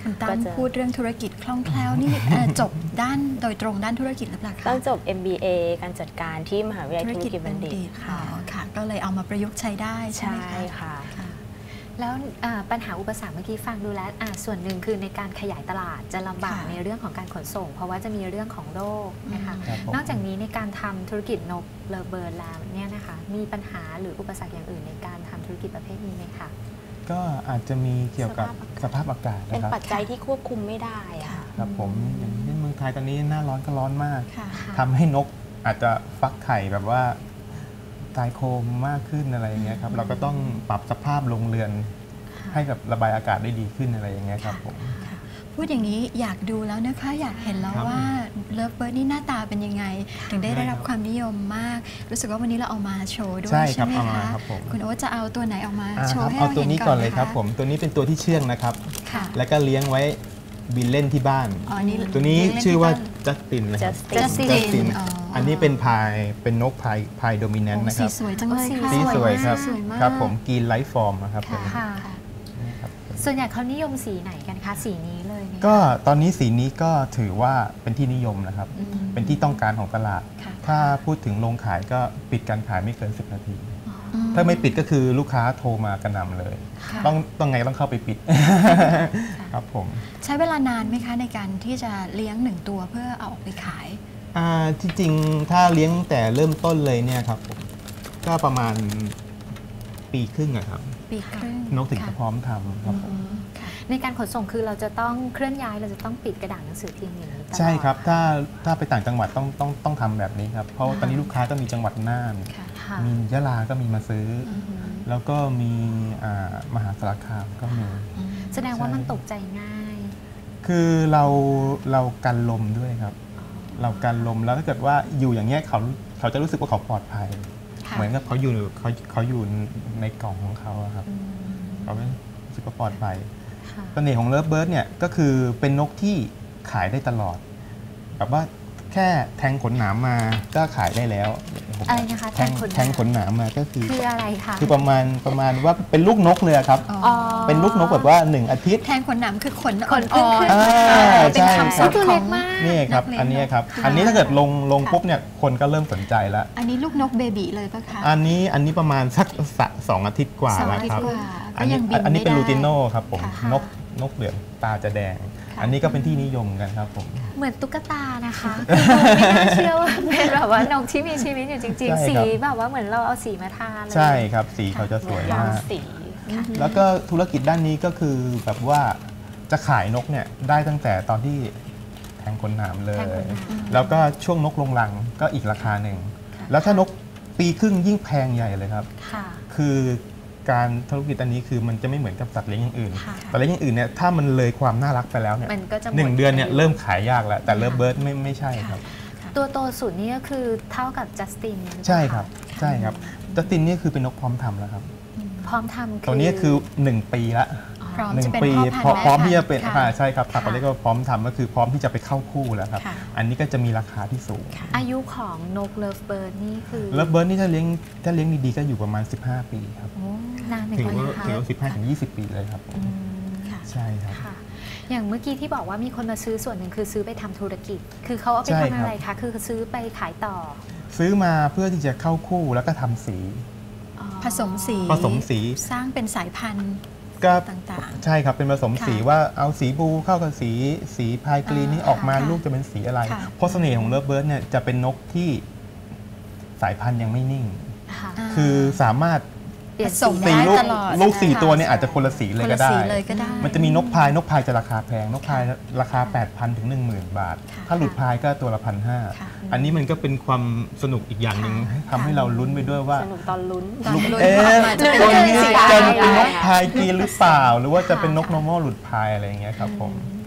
Speaker 1: คุณตั้
Speaker 5: ก็
Speaker 1: ม
Speaker 5: จะ
Speaker 1: พูดเรื่องธุรกิจคล่องแคล่วนี่จบด้านโดยตรงด้านธุรกิจหรือเปล่าคะ
Speaker 5: ต้องจบ MBA การจัดการที่มหาวิทยาลัยธุรกิจบัณฑิต
Speaker 1: อ๋
Speaker 5: ค่ะ
Speaker 1: อค่ะ ก็เลยเอามาประยุกต์ใช้ได้ใช่ไหม
Speaker 5: ใช่
Speaker 1: คะ
Speaker 5: ค่ะ
Speaker 1: ค่ะ
Speaker 2: แล้วปัญหาอุปสรรคเมื่อกี้ฟังดูแล้วส่วนหนึ่งคือในการขยายตลาดจะลำบาก
Speaker 1: ค่ะ
Speaker 2: ในเรื่องของการขนส่ง เพราะว่าจะมีเรื่องของโรคนะคะ
Speaker 4: ครับผม
Speaker 2: นอกจากนี้ในการทำธุรกิจนกเลอเบิร์นแล้วเนี่ยนะคะมีปัญหาหรืออุปสรรคอย่างอื่นในการทำธุรกิจประเภทนี้ไหมคะ
Speaker 4: ก็อาจจะมีเกี่ยวกับสภาพอากาศ
Speaker 5: เป็น
Speaker 4: นะครับ
Speaker 5: ปัจจัยที่ควบคุมไม่ได้อะค่ะ
Speaker 4: ครับผมอย่างเช่นเมืองไทยตอนนี้หน้าร้อนก็ร้อนมาก
Speaker 1: ค่ะ
Speaker 4: ทำให้นกอาจจะฟักไข่แบบว่าตายโคมมากขึ้นอะไรอย่างเงี้ยครับเราก็ต้องปรับสภาพโรงเรือนให้แบบระบายอากาศได้ดีขึ้นอะไรอย่างเงี้ยครับผม
Speaker 1: พูดอย่างนี้อยากดูแล้วนะคะ อยากเห็นแล้ว
Speaker 4: ครับ
Speaker 1: ว่าเลิฟเบิร์ดนี่หน้าตาเป็นยังไง ถึงได้รับความนิยมมาก รู้สึกว่าวันนี้เราเอามาโชว์ด้วย
Speaker 4: ใช่
Speaker 1: ใช่ไหม
Speaker 4: ครับเอามา
Speaker 1: คะ
Speaker 4: ครับผม
Speaker 1: คุณโอ๊ตจะเอาตัวไหนออกมาโช
Speaker 4: ค
Speaker 1: ว์
Speaker 4: รับ
Speaker 1: ให้
Speaker 4: เอา
Speaker 1: เรา
Speaker 4: ตัว
Speaker 1: เห็น
Speaker 4: นี้
Speaker 1: ก่
Speaker 4: ก่
Speaker 1: อ
Speaker 4: อน น
Speaker 1: เล
Speaker 4: เลย ย
Speaker 1: ค
Speaker 4: ค
Speaker 1: รั
Speaker 4: รั
Speaker 1: บบ
Speaker 4: ผมตัวนี้เป็นตัวที่เชื่องนะครับ
Speaker 1: ค่ะ
Speaker 4: แล้วก็เลี้ยงไว้บินเล่นที่บ้าน
Speaker 1: อ๋อนี่
Speaker 4: ตัวนี้
Speaker 1: เล่
Speaker 4: ชื่อว่า
Speaker 1: ที่
Speaker 4: จัสตินนะครับ
Speaker 5: Justin
Speaker 1: Justin อ๋ออั
Speaker 4: อันนี้เป็นเป็นนกพายโดมิเนน
Speaker 1: โอ้
Speaker 4: ต์นะค
Speaker 1: สี
Speaker 4: รับ
Speaker 1: สวยจังเลยค่ะ
Speaker 4: สีสวยครับ
Speaker 1: สวยมาก
Speaker 4: ครับผมกรีนไลท์ฟอร์มนะครับผม
Speaker 2: ค่ะ
Speaker 4: ครับ
Speaker 2: ส่วนใหญ่เขานิยมสีไหนกันคะสีนี้เลยไหมคะ
Speaker 4: ก็ตอนนี้สีนี้ก็ถือว่าเป็นที่นิยมนะครับ
Speaker 2: อืม
Speaker 4: เป็นที่ต้องการของตลาด
Speaker 2: ค่ะ
Speaker 4: ถ้าพูดถึงโรงขายก็ปิดการขายไม่เกิน 10 นาที
Speaker 1: อืม
Speaker 4: ถ้าไม่ปิดก็คือลูกค้าโทรมากระหน่ำเลย
Speaker 2: ค่ะ
Speaker 4: ต้องไงต้องเข้าไปปิด ครับผม
Speaker 1: ใช้เวลานานไหมคะในการที่จะเลี้ยงหนึ่งตัวเพื่อเอาออกไปขาย
Speaker 4: ที่จริงถ้าเลี้ยงแต่เริ่มต้นเลยเนี่ยครับผมก็ประมาณปีครึ่งอะครับ
Speaker 1: ปีครึ่ง
Speaker 4: นกถึงจะ
Speaker 1: ค่ะ
Speaker 4: พร้อมทำครับผม
Speaker 1: ค่ะ
Speaker 2: ในการขนส่งคือเราจะต้องเคลื่อนย้ายเราจะต้องปิดกระดาษหนังสือพิมพ์อย่างนี้ตลอด
Speaker 4: ใช่ครับถ้าไปต่างจังหวัดต้องทำแบบนี้ครับเพราะว่าตอนนี้ลูกค้าก็มีจังหวัดน่าน
Speaker 1: ค่ะ
Speaker 2: ค่ะ
Speaker 4: มียะลาก็มีมาซื้ออ
Speaker 2: อือหือ
Speaker 4: แล้วก็มีมหาสารคามก็มี
Speaker 2: แสดงว่า
Speaker 4: ใช่
Speaker 2: มันตกใจง่าย
Speaker 4: คือเรากันลมด้วยครับ เรากันลมแล้วถ้าเกิดว่าอยู่อย่างเงี้ยเขาจะรู้สึกว่าเขาปลอดภัย
Speaker 1: ค่ะ
Speaker 4: เหมือนกับเขาอยู่ในกล่องของเขาอะครับ
Speaker 2: อืม
Speaker 4: เขาไม่รู้สึกว่าปลอดภัย
Speaker 2: ค่ะ
Speaker 4: เสน่ห์ของเลิฟเบิร์ดเนี่ยก็คือเป็นนกที่ขายได้ตลอดแบบว่าแค่แทงขนหนามมาก็ขายได้แล้ว
Speaker 2: อะไรนะคะ
Speaker 4: แทงขนหนามมาก็คือ
Speaker 2: คืออะไรคะ
Speaker 4: คือประมาณว่าเป็นลูกนกเลยอะครับ
Speaker 2: อ๋อ
Speaker 4: เป็นลูกนกแบบว่า1 อาทิตย์
Speaker 1: แทนขนหนามคือขน
Speaker 2: ขน
Speaker 1: อ่อน
Speaker 2: ขึ้น
Speaker 1: ๆ
Speaker 4: ใช่
Speaker 1: เป็น
Speaker 4: ครั
Speaker 1: คำ
Speaker 4: บ
Speaker 1: ศัพท์
Speaker 2: ตัว
Speaker 1: ข
Speaker 2: เล็
Speaker 1: อง
Speaker 2: กมาก
Speaker 4: นี่ครับ
Speaker 1: นักเรียน
Speaker 4: อันนี้ครับ
Speaker 1: ค่ะ
Speaker 4: อันนี้ถ้าเกิดลง
Speaker 1: ค่ะ
Speaker 4: ปุ๊บเนี่ยคนก็เริ่มสนใจแล้ว
Speaker 1: อันนี้ลูกนกเบบีเลยปะคะ
Speaker 4: อันนี้ประมาณสัก2 อาทิตย์กว่า
Speaker 1: สอง
Speaker 4: แล้ว
Speaker 1: อาทิต
Speaker 4: ครับ
Speaker 1: ย์กว่า
Speaker 4: อั
Speaker 1: ก็
Speaker 4: นนี้
Speaker 1: ยังบิน
Speaker 4: อันนี้เป็น
Speaker 1: ไม่
Speaker 4: ลู
Speaker 1: ได้
Speaker 4: ติโน่ครับผม
Speaker 1: ค่ะ
Speaker 4: นกเหลืองตาจะแดง อันนี้ก็เป็นที่นิยมกันครับผม
Speaker 2: เหมือนตุ๊กตานะคะคือดูไม่น่าเชื่อว่าเป็นแบบว่านกที่มีชีวิตอยู่จริง
Speaker 4: ใช่
Speaker 2: ๆ สี
Speaker 4: ครับ
Speaker 2: แบบว่าเหมือนเราเอาสีมาทาเลย
Speaker 4: ใช่ครับสีเขาจะสวย
Speaker 5: ยาม
Speaker 4: มาก
Speaker 5: สี
Speaker 4: แล้วก็ธุรกิจด้านนี้ก็คือแบบว่าจะขายนกเนี่ยได้ตั้งแต่ตอนที่แทงขนหนามเล
Speaker 2: แท
Speaker 4: ย
Speaker 2: งขนหนาม
Speaker 4: แล้วก็ช่วงนกลงรังก็อีกราคาหนึ่ง แล้วถ้านกปีครึ่งยิ่งแพงใหญ่เลยครับ
Speaker 2: ค่ะ
Speaker 4: คือการธุรกิจอันนี้คือมันจะไม่เหมือนกับสัตว์เลี้ยงอย่างอื่น
Speaker 2: ค่ะ
Speaker 4: สัตว์เลี้ยงอย่างอื่นเนี่ยถ้ามันเลยความน่ารักไปแล้วเนี่ย
Speaker 2: มันก็จะหมด
Speaker 4: 1 เดือนเนี่ย
Speaker 2: อายุ
Speaker 4: เริ่มขายยากแล้ว แต่เลิฟเบิร์ดไม่ใช่ครับ
Speaker 2: ตัวโตสุดนี่ก็คือเท่ากับจัสติน
Speaker 4: ใช่ครับใช่ครับจัสตินนี่คือเป็นนกพร้อมทำแล้วครับ
Speaker 2: พร้อมทำคือ
Speaker 4: ตัวนี้คือ 1 ปีละ
Speaker 1: พร้อม
Speaker 4: หนึ่
Speaker 1: จะ
Speaker 4: ง
Speaker 1: เป็น
Speaker 4: ปี
Speaker 1: พ่อพันธุ์
Speaker 4: พร้อมที่จะ
Speaker 1: แ
Speaker 4: เป็น
Speaker 1: ค่ะ
Speaker 4: ใช่ครับ
Speaker 2: ค่ะ
Speaker 4: เขาเรียกว่าพร้อมทำก็คือพร้อมที่จะไปเข้าคู่แล้วครับ
Speaker 1: ค่ะ
Speaker 4: อันนี้ก็จะมีราคาที่สูง
Speaker 2: อายุของนกเลิฟเบิร์ดนี่คือ
Speaker 4: เลิฟเบิร์ดนี่ถ้าเลี้ยงดีๆก็อยู่ประมาณ 15 ปีครับ
Speaker 2: โอ้นานเหมือน
Speaker 4: ถือ
Speaker 2: กัน
Speaker 4: ว่า
Speaker 2: นะคะ
Speaker 4: ถือว่า15-20 ปีเลยครับ
Speaker 2: อืม
Speaker 1: ค่ะ
Speaker 4: ใช่ครับ
Speaker 2: ค่ะ อย่างเมื่อกี้ที่บอกว่ามีคนมาซื้อส่วนหนึ่งคือซื้อไปทำธุรกิจ คือเขาเอาไป
Speaker 4: ใช่
Speaker 2: ทำ
Speaker 4: ครับ
Speaker 2: อะไรคะ คือซื้อไปขายต่อ
Speaker 4: ซื้อมาเพื่อที่จะเข้าคู่แล้วก็ทำสี
Speaker 2: อ๋อ
Speaker 1: ผสมสี
Speaker 4: ผสมสี
Speaker 1: สร้างเป็นสายพันธุ์
Speaker 4: ก็
Speaker 1: ต่าง
Speaker 4: ใช่ครับเป็นผสมสี
Speaker 1: ค่ะ
Speaker 4: ว่าเอาสีบลูเข้ากับสีพายกรีนนี่ออกมา
Speaker 1: ค่ะ
Speaker 4: ลูกจะเป็นสีอะไร
Speaker 1: ค่ะ
Speaker 4: เพราะเสน่ห์ของเลิฟเบิร์ดเนี่ยจะเป็นนกที่สายพันธุ์ยังไม่นิ่ง
Speaker 2: ค่ะ
Speaker 1: อ่า
Speaker 4: คือสามารถ
Speaker 2: เปลี่ยน
Speaker 1: ผสม
Speaker 2: สี
Speaker 1: ได้
Speaker 4: ลูก
Speaker 1: ตลอด
Speaker 4: ลูก
Speaker 1: ใช่
Speaker 4: สี่
Speaker 1: ค่ะ
Speaker 4: ตัวเนี่ยอาจจะคนละสีเลย
Speaker 1: คน
Speaker 4: ก็
Speaker 1: ละ
Speaker 4: ได้
Speaker 1: สีเลยก็ได้
Speaker 4: มันจะมีนกพายจะราคาแพงนกพายราคา 8,000 ถึง 10,000 บาท
Speaker 1: ค่ะ
Speaker 4: ถ้าหลุดพายก็ตัวละ
Speaker 1: ค่ะ
Speaker 4: 1,500 อันนี้มันก็เป็นความสนุกอีกอย่างหนึ่ง
Speaker 1: ค่ะ
Speaker 4: ทำให้เราลุ้นไปด้วยว่า
Speaker 5: สนุกตอนลุ้น
Speaker 1: ตอนลุ้น
Speaker 4: เอ๊ะ
Speaker 1: ว่าออกมาจะเป็น
Speaker 4: ตัว
Speaker 1: ยังไง
Speaker 4: นี้
Speaker 1: สี
Speaker 4: จะ
Speaker 1: อะไร
Speaker 4: เป็นนกพายกรีนหรือเปล่า หรือว่าจะเป็นนก
Speaker 2: ค่ะ
Speaker 4: normal หลุดพายอะไรอย่างเงี้ยครับผม
Speaker 1: ค่ะ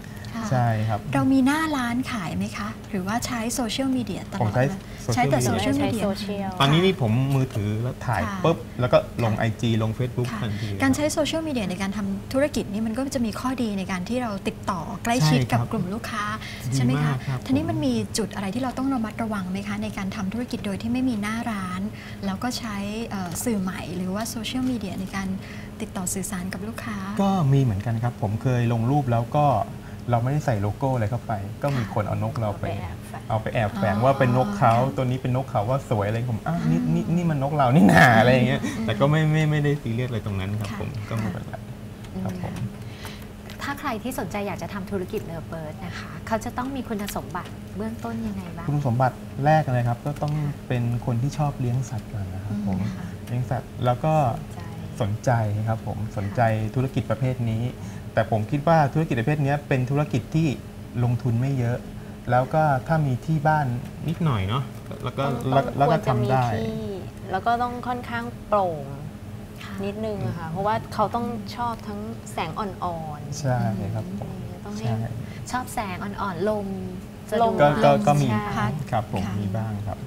Speaker 4: ใช่ครับ
Speaker 1: เรามีหน้าร้านขายไหมคะ หรือว่าใช้โซเชียลมีเดียตล
Speaker 4: ผ
Speaker 1: อ
Speaker 4: ม
Speaker 1: ด
Speaker 4: ใช้
Speaker 1: เลยใช้แต่โซเชียลมีเดีย
Speaker 5: ใช้โซเชียล
Speaker 4: ตอนนี้นี่ผมมือถือแล้วถ่าย
Speaker 1: ค่ะ
Speaker 4: ปุ๊บแล้วก็ลง
Speaker 1: ค่ะ
Speaker 4: IG ลง Facebook
Speaker 1: ค่ะ
Speaker 4: ทันที
Speaker 1: การใช้โซเชียลมีเดียในการทำธุรกิจนี่มันก็จะมีข้อดีในการที่เราติดต่อใกล้ชิดกับกลุ่มลูกค้าใช่ไหมคะ
Speaker 4: ดีากรับ
Speaker 1: ทีนี้มันมีจุดอะไรที่เราต้องระมัดระวังไหมคะในการทำธุรกิจโดยที่ไม่มีหน้าร้าน แล้วก็ใช้สื่อใหม่หรือว่าโซเชียลมีเดียในการติดต่อสื่อสารกับลูกค้า
Speaker 4: ก็มีเหมือนกันครับ ผมเคยลงรูปแล้วก็เราไม่ได้ใส่โลโก้อะไรเข้าไป ก็มีคนเอานกเราไป เอาไปแอบแฝงว่าเป็นนกเขาตัวนี้เป็นนกเขาว่าสวยอะไรผมอ้าวนี่มันนกเรานี่หนาอะไรอย่างเงี้ยแต่ก็ไม่ได้ซีเรียสอะไรตรงนั้นครับ
Speaker 1: ค่ะ
Speaker 4: ผมก็ไม่เป็นไรครับผม
Speaker 2: ถ้าใครที่สนใจอยากจะทำธุรกิจเลิฟเบิร์ดนะคะ เขาจะต้องมีคุณสมบัติเบื้องต้นยังไงบ้าง
Speaker 4: คุณสมบัติแรกเลยครับก็ต้องเป็นคนที่ชอบเลี้ยงสัตว์ก่อนนะครับผม
Speaker 2: ค่ะ
Speaker 4: เลี้ยงสัตว์แล้วก็สนใจครับผมสนใจธุรกิจประเภทนี้ แต่ผมคิดว่าธุรกิจประเภทนี้เป็นธุรกิจที่ลงทุนไม่เยอะ แล้วก็ถ้ามีที่บ้านนิดหน่อยเนาะแล้วก็ทำได้
Speaker 5: แล้วก็ต้องค่อนข้างโปร่งนิดนึงอะค่ะเพราะว่าเขาต้องชอบทั้งแสงอ่อนๆ
Speaker 4: ใช่ครับผม
Speaker 5: ต้องให้
Speaker 4: ใช่
Speaker 2: ชอบแสงอ่อนๆ ลมสะด
Speaker 5: ล
Speaker 2: ว
Speaker 5: ม
Speaker 4: ก็มี
Speaker 5: ใช่
Speaker 4: ครับผม
Speaker 1: ค่ะ
Speaker 4: มีบ้างครับ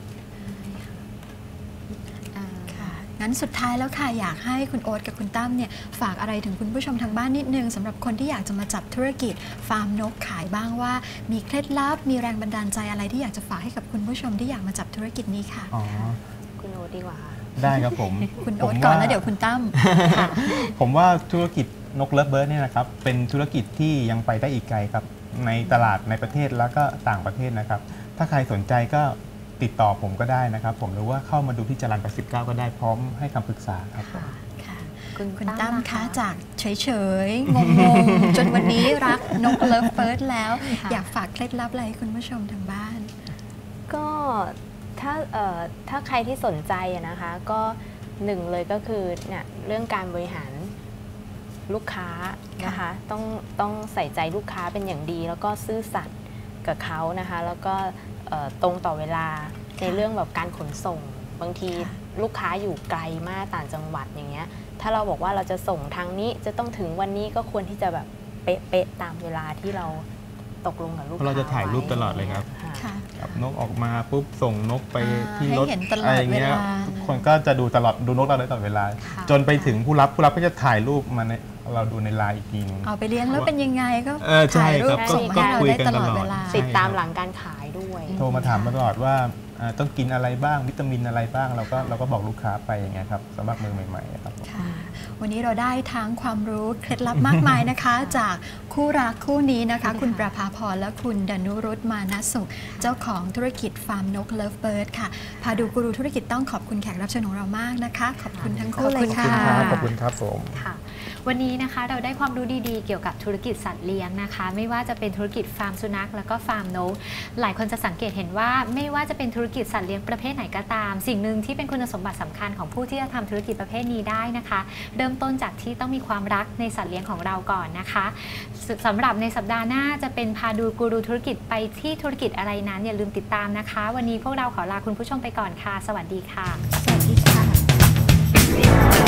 Speaker 2: อ่า
Speaker 1: ค่ะงั้นสุดท้ายแล้วค่ะอยากให้คุณโอ๊ตกับคุณตั้มเนี่ยฝากอะไรถึงคุณผู้ชมทางบ้านนิดนึงสำหรับคนที่อยากจะมาจับธุรกิจฟาร์มนกขายบ้างว่า มีเคล็ดลับมีแรงบันดาลใจอะไรที่อยากจะฝากให้กับคุณผู้ชมที่อยากมาจับธุรกิจนี้ค่ะ
Speaker 4: อ๋อ
Speaker 5: คุณโอตดีกว่าค่ะ
Speaker 4: ได้ครับผม
Speaker 1: คุณโอ๊ตก่อนแล้วเดี๋ยวคุณตั้ม
Speaker 4: ผมว่าธุรกิจนกเลิฟเบิร์ดเนี่ยนะครับเป็นธุรกิจที่ยังไปได้อีกไกลครับในตลาดในประเทศแล้วก็ต่างประเทศนะครับถ้าใครสนใจก็ติดต่อผมก็ได้นะครับผมหรือว่าเข้ามาดูที่จรัญ89ก็ได้พร้อมให้คำปรึกษาครับผม
Speaker 1: ค่ะ
Speaker 2: คุณ
Speaker 1: คุณ
Speaker 2: ตั้
Speaker 1: ตั้
Speaker 2: ม
Speaker 1: ม
Speaker 2: ล่ะ
Speaker 1: คะ
Speaker 2: คะ
Speaker 1: จากเฉยๆ งงๆ จนวันนี้รักนกเลิฟเฟิร์สแล้ว
Speaker 2: ค่ะ
Speaker 1: อยากฝากเคล็ดลับอะไรให้คุณผู้ชมทางบ้าน
Speaker 5: ก็ถ้าใครที่สนใจอะนะคะก็หนึ่งเลยก็คือเนี่ยเรื่องการบริหารลูกค้านะคะต้องใส่ใจลูกค้าเป็นอย่างดี แล้วก็ซื่อสัตย์กับเขานะคะแล้วก็ตรงต่อเวลาในเรื่องแบบการขนส่ง บางที
Speaker 1: ค่ะ
Speaker 5: ลูกค้าอยู่ไกลมากต่างจังหวัดอย่างเงี้ยถ้าเราบอกว่าเราจะส่งทางนี้จะต้องถึงวันนี้ก็ควรที่จะแบบเป๊ะๆตามเวลาที่เราตกลงกับลูกค้า
Speaker 4: เราจะถ่ายรูปตลอดเลยครับ
Speaker 5: ค่ะ
Speaker 1: ค่ะ
Speaker 4: ครับนกออกมาปุ๊บส่งนกไปที่รถ
Speaker 1: ให้เห็นตลอด
Speaker 4: อะไรเงี้ย
Speaker 1: เวลา
Speaker 4: ทุกคนก็จะดูตลอดดูนกเราได้ตลอดเวลา
Speaker 2: ค่ะ
Speaker 4: จนไปถึงผู้รับก็จะถ่ายรูปมาในเราดูในไลน์อีกทีนึง
Speaker 1: เอาไปเลี้ยงแล้วเป็นยังไงก็
Speaker 4: ใช่
Speaker 1: ถ่ายรู
Speaker 4: ครั
Speaker 1: ป
Speaker 4: บ
Speaker 1: ส่ง
Speaker 5: ก็
Speaker 1: ให้เรา
Speaker 4: คุย
Speaker 1: ได้
Speaker 4: กัน
Speaker 1: ตลอด
Speaker 4: ตลอด
Speaker 1: เวลา
Speaker 5: ติดตามหลังการขายด้วย
Speaker 4: โทรมาถามตลอดว่าต้องกินอะไรบ้างวิตามินอะไรบ้างเราก็บอกลูกค้าไปอย่างเงี้ยครับสำหรับมือใหม่ๆครับผม
Speaker 1: ค่ะ วันนี้เราได้ทั้งความรู้เคล็ดลับมากมายนะคะ จากคู่รักคู่นี้นะคะ คุณประภาพรและคุณดนุรุตมานะสุข เจ้าของธุรกิจฟาร์มนกเลิฟเบิร์ดค่ะ พาดูกูรูธุรกิจต้องขอบคุณแขกรับเชิญของเรามากนะคะ ขอบคุณทั้งคู่เลย
Speaker 2: ขอบคุณ
Speaker 1: ค่ะ
Speaker 2: ค่ะ
Speaker 4: ขอบคุณครับผม
Speaker 2: ค่ะวันนี้นะคะเราได้ความรู้ดีๆเกี่ยวกับธุรกิจสัตว์เลี้ยงนะคะ ไม่ว่าจะเป็นธุรกิจฟาร์มสุนัขแล้วก็ฟาร์มนกหลายคนจะสังเกตเห็นว่าไม่ว่าจะเป็นธุรกิจสัตว์เลี้ยงประเภทไหนก็ตาม สิ่งหนึ่งที่เป็นคุณสมบัติสำคัญของผู้ที่จะทำธุรกิจประเภทนี้ได้นะคะ เริ่มต้นจากที่ต้องมีความรักในสัตว์เลี้ยงของเราก่อนนะคะสำหรับในสัปดาห์หน้าจะเป็นพาดูกูรูธุรกิจไปที่ธุรกิจอะไรนั้นอย่าลืมติดตามนะคะ วันนี้พวกเราขอลาคุณผู้ชมไปก่อนค่ะ สวัสดีค่ะ
Speaker 1: สวัสดีค่ะ